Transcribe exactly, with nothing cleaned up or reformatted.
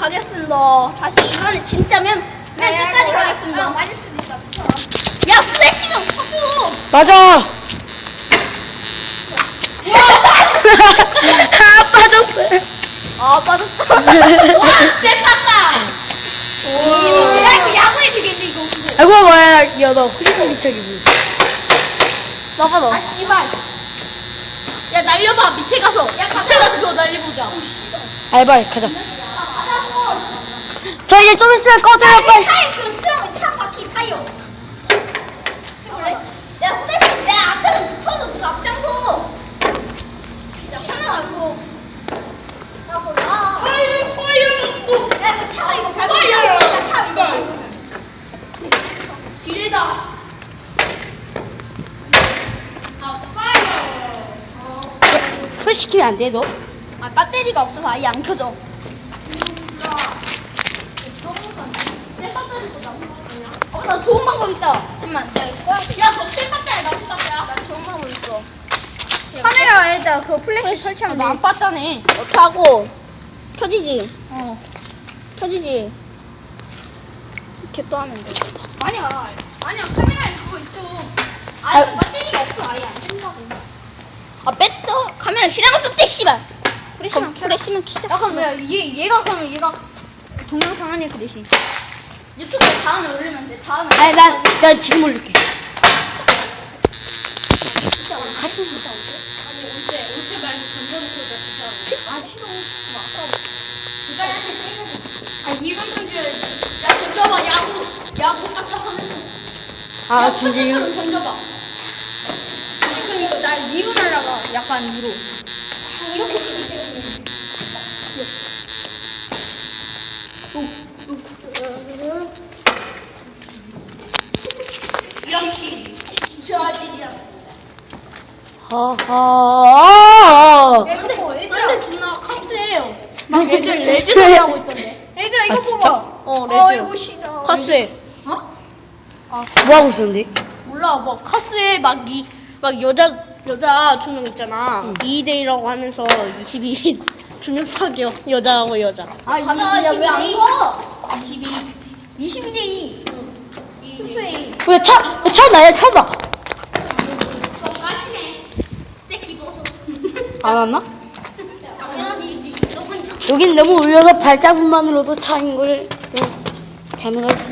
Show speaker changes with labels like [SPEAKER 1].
[SPEAKER 1] 가겠습니다. 다시 이번에 진짜면 맨 끝까지 가겠습니다. 맞을 수도 있다. 야, 플래시 좀 쳐줘.
[SPEAKER 2] 맞아. 아, 빠졌어.
[SPEAKER 1] 아, 빠졌어. 와, 쎄팠다. 오. 야, 이거 야구에 되겠네, 이거.
[SPEAKER 2] 아이고, 뭐야. 야, 너 후리가 미쳐기지.
[SPEAKER 1] 나가, 너. 아, 씨발. 야, 날려봐, 밑에 가서. 야, 밑에 가서 저 날려보자.
[SPEAKER 2] 알바, 가자. 저 이제 좀 있으면 꺼져요, 빨리.
[SPEAKER 1] 타이어, 그 트렁, 차 바퀴 타이어. 야, 후레쉬, 내 앞에서 붙어도 그 앞장서. 야, 편하고. 야, 몰라.
[SPEAKER 3] 파이어 파이어
[SPEAKER 1] 야, 그 차가 이거 밟고 있다. 야, 차 이거.
[SPEAKER 3] 기회다. 아 파이어.
[SPEAKER 2] 풀 시키면 안 돼, 너?
[SPEAKER 1] 아, 배터리가 없어서 아예 안 켜져. 어, 나 좋은 방법 있다. 잠깐만, 야, 이거 꺼야 돼.
[SPEAKER 3] 야, 너 셀파타야, 나 셀파타야.
[SPEAKER 1] 나 좋은 방법 있어. 카메라에다 그 플래시 설치하면 돼.
[SPEAKER 3] 나안 봤다네.
[SPEAKER 1] 이렇게 하고, 켜지지?
[SPEAKER 3] 어.
[SPEAKER 1] 켜지지? 이렇게 또 하면 돼.
[SPEAKER 3] 아니야. 아니야, 카메라에 그거 있어.
[SPEAKER 1] 아니, 배터리가 없어. 아예 안 된다고. 아, 뺐어. 카메라 실행할 수 없대, 씨발. 프레시만 켜. 프레시만 키자.
[SPEAKER 3] 야, 그럼 야, 얘, 얘가 그러면 얘가
[SPEAKER 1] 동영상 하네, 그 대신.
[SPEAKER 3] 유튜브에 다음에 올리면 돼. 다음에.
[SPEAKER 2] 아니, 난, 난 지금 올릴게. 아, 진짜 이거.
[SPEAKER 3] 던져봐. 그럼 이거 날 위로 날라가. 약간 위로. 이렇게. 역시 저 아저씨야.
[SPEAKER 2] 허허.
[SPEAKER 3] 근데 애들 존나 카스해요. 막 애들 레즈 소리 하고 있던데. 애들아 이거
[SPEAKER 2] 아, 진짜?
[SPEAKER 3] 봐봐. 어 레즈.
[SPEAKER 1] 아이고, 싫어.
[SPEAKER 3] 카스해. 어?
[SPEAKER 2] 뭐 하고 있었는데?
[SPEAKER 3] 몰라 뭐 카스에 막 이 막 여자 여자 두 명 있잖아.
[SPEAKER 2] 응.
[SPEAKER 3] 이 대 이라고 하면서 이십이 일 두 명 사겨. 여자하고 여자.
[SPEAKER 1] 아,
[SPEAKER 3] 가자,
[SPEAKER 1] 야, 왜 안
[SPEAKER 3] 이십이.
[SPEAKER 1] 가?
[SPEAKER 3] 이십이.
[SPEAKER 1] 이십이 대 이.
[SPEAKER 3] 숙소에.
[SPEAKER 2] 왜 차, 야, 차 나, 야, 차 나.
[SPEAKER 3] 저 까시네. 새끼 벗어.
[SPEAKER 2] 안 왔나?
[SPEAKER 3] 당연하지. 너 혼자.
[SPEAKER 2] 여긴 너무 울려서 발자국만으로도 차인 걸 응, 잘못했어.